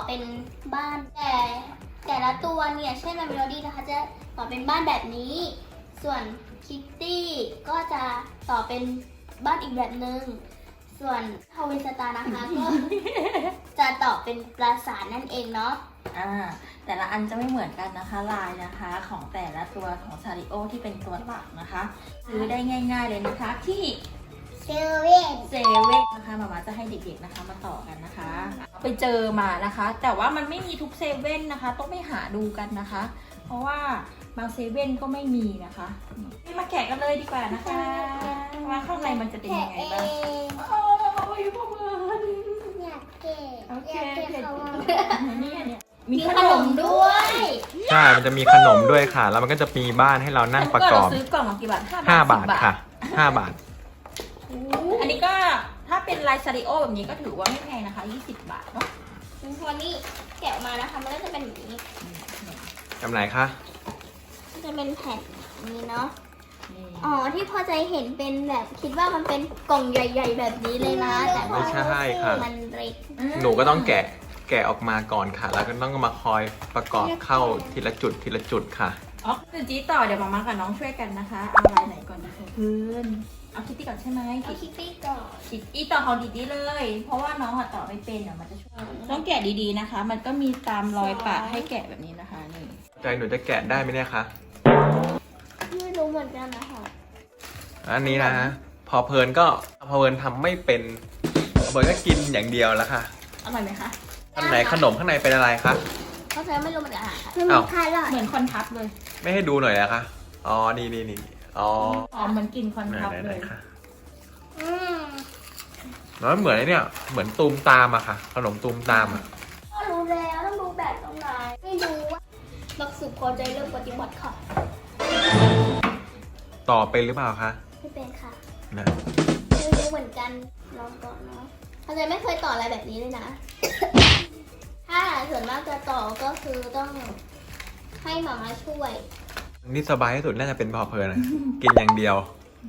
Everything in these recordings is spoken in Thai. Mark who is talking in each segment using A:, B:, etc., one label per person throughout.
A: เป็นบ้านแต่ละตัวเนี่ยเช่นเมโลดี้นะคะจะต่อเป็นบ้านแบบนี้ ส่วนคิตตี้ก็จะต่อเป็นบ้านอีกแบบหนึ่งส่วนทาวินสตาร์นะคะก็ จะต่อเป็นปราสาทนั่นเองเนาะ
B: แต่ละอันจะไม่เหมือนกันนะคะลายนะคะของแต่ละตัวของซาริโอที่เป็นตัวหลักนะคะซื้อได้ง่ายๆเลยนะคะที่เซเว่นนะคะมาจะให้เด็กๆนะคะมาต่อกันนะคะไปเจอมานะคะ แต่ว่ามันไม่มีทุกเซเว่นนะคะต้องไปหาดูกันนะคะ เพราะว่าบางเซเว่นก็ไม่มีนะคะมาแกะกันเลยดีกว่านะคะว่าข้างในมันจะเป็นยังไงบ้างโอ้ยพ่อเบิร์น
C: อยากเกะ
B: โอเค
C: เขา
B: เนี่ยมี
A: มีขนมด้วย
D: ใช่ มันจะมีขนมด้วยค่ะ แล้วมันก็จะมีบ้านให้เรานั่งประกอบ
B: เราซื้อกล่องละกี่บาท
D: 5 บาทค่ะ 5 บาท
B: อันนี้ก็ถ้าเป็นลายซาริโอแบบนี้ก็ถือว่าไม่แพงนะคะ20 บาทเนาะ
A: วันนี้แกะออกมานะคะมันก็จะเป็นแบบนี้
D: จำไหนคะ
A: มันจะเป็นแผ่นนี้เนาะ
B: นี่
A: อ๋อที่พอใจเห็นเป็นแบบคิดว่ามันเป็นกล่องใหญ่ ๆ แบบนี้เลยนะแต่
D: ไม่
A: ว่า
D: ใช่ค่ะ
A: มันเล็ก
D: หนูก็ต้องแกะออกมาก่อนค่ะ แล้วก็ต้องมาคอยประกอบเข้าทีละจุดค่ะ
B: อ๋อคือจีต่อเดี๋ยวมากับน้องช่วยกันนะคะเอาลายไหนก่อนดีคะเพื่อนเอาคิตตี้ก่อนใช่ไหม
A: เอาคิตตี้ก่อน
B: อีต่อของดีๆเลย เพราะว่าน้องอะต่อไม่เป็นเดี๋ยวมันจะช่วยต้องแกะดีๆนะคะ มันก็มีตามรอยปะให้แกะแบบนี้นะคะนี่
D: ใจหนูจะแกะได้ไหมเนี่ยคะ
A: ไม่รู้เหมือนกันนะคะ
D: อันนี้นะ พอเพลินทำไม่เป็นพอเพลินก็กินอย่างเดียวแล้วค่ะ
B: อร่อยไหมคะ
D: อันไหนขนมข้างในเป็นอะไรคะ
A: เพราะฉะนั้นไม่รู้เหมือนกันค่ะ
C: มันมีคาร์ลอท
B: เหมือนคอนทับเลย
D: ไม่ให้ดูหน่อยนะคะ อ๋อ นี่อ๋อ
B: อ๋อเหมือนกินคอน
D: ไหน
B: ทับ
D: ไหน
B: เล
D: ไหน
B: ย
D: ค่ะ
C: อืม
D: แล้วเหมือนไอ้เนี่ยเหมือนตูมตามอะค่ะ ขนมตูมตามอะ
A: ก็รู้แล้วต้องรู้แบบตรงไหนไม่รู้ว่าหลักสูตรพอใจเริ่มปฏิบัติค่ะ
D: ต่อเป็นหรือเปล่าคะ
A: ไม่เป็นค่ะ
D: นะ
A: ไม่รู้เหมือนกันลองก่อนเนาะพอใจไม่เคยต่ออะไรแบบนี้เลยนะ ถ้าส่วนมากจะต่อก็คือต้องให้หมามาช่วย
D: นี่สบายที่สุดน่าจะเป็นพอเพลินนะ กินอย่างเดียว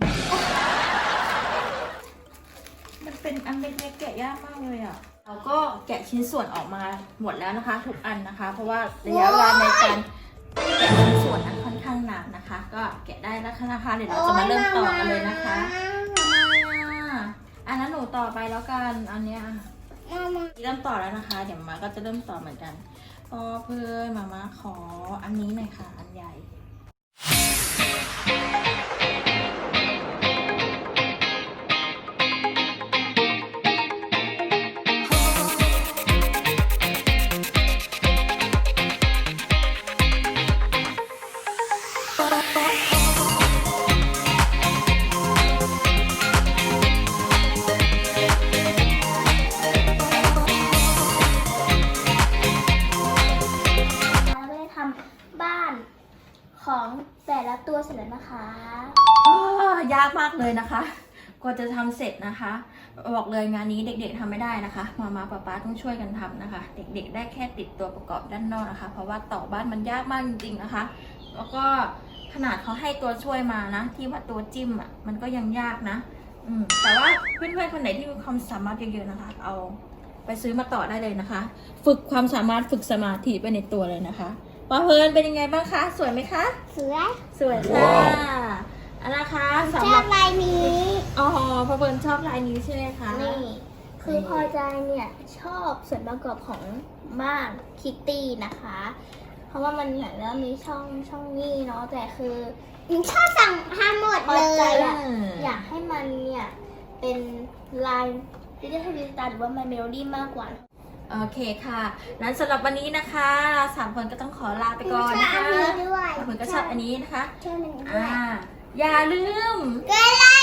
B: มันเป็นอันเล็กๆแกะยากมากเลยอ่ะ เราก็แกะชิ้นส่วนออกมาหมดแล้วนะคะทุกอันนะคะ เพราะว่าระยะเวลาในการแกะชิ้นส่วนนั้นค่อนข้างนานนะคะ ก็แกะได้แล้วนะคะเดี๋ยวเราจะมาเริ่มต่อกันเลยนะคะอันนั้นหนูต่อไปแล้วกันอันเนี้ย เริ่มต่อแล้วนะคะ เดี๋ยวมาก็จะเริ่มต่อเหมือนกันพอเพื่อนมาขออันนี้หน่อยค่ะ อันใหญ่
A: เราได้ทำบ้านของแต่ละตัวเสร็จแล้วนะคะ
B: ยากมากเลยนะคะกว่าจะทำเสร็จนะคะ บอกเลยงานนี้เด็กๆทำไม่ได้นะคะมาป๊าต้องช่วยกันทำนะคะ เด็กๆได้แค่ติดตัวประกอบด้านนอกนะคะ เพราะว่าต่อบ้านมันยากมากจริงๆนะคะ แล้วก็ขนาดเขาให้ตัวช่วยมานะ ที่ว่าตัวจิ้มอ่ะมันก็ยังยากนะแต่ว่าเพื่อนๆคนไหนที่มีความสามารถเยอะๆนะคะ เอาไปซื้อมาต่อได้เลยนะคะ ฝึกความสามารถฝึกสมาธิไปในตัวเลยนะคะปอเพลินเป็นยังไงบ้างคะสวยไหมคะ
C: สวย
B: สวยค่ะอันนะคะ
C: ช
B: สำห
C: อ
B: รั
C: บบ ลายนี้
B: อ๋อพอเบิร์นชอบลายนี้ใช่ไหมคะ
A: นี่ คือพอใจเนี่ยชอบส่วนประกอบของบ้านคิตตี้นะคะ เพราะว่ามันเหมือนแล้วมีช่องนี้เนาะแต่คือ
C: ชอบสั่งทำหมด
A: พอ
C: เล
A: ใจ
C: ย
A: อะอยากให้มันเนี่ยเป็นลายดิจิทัลวิสตาหรือว่า My Melody มากกว่า
B: โอเคค่ะนั้นสำหรับวันนี้นะคะเราสามคนก็ต้องขอลาไปก่อน
C: ชอบ
B: นะ
C: อัน
B: คะ
C: นี้ด้วย
B: บางคนก็ชอบอันนี้นะคะ
C: ชอบอันนี้ด้วย
B: อย่าลืม
C: กดไล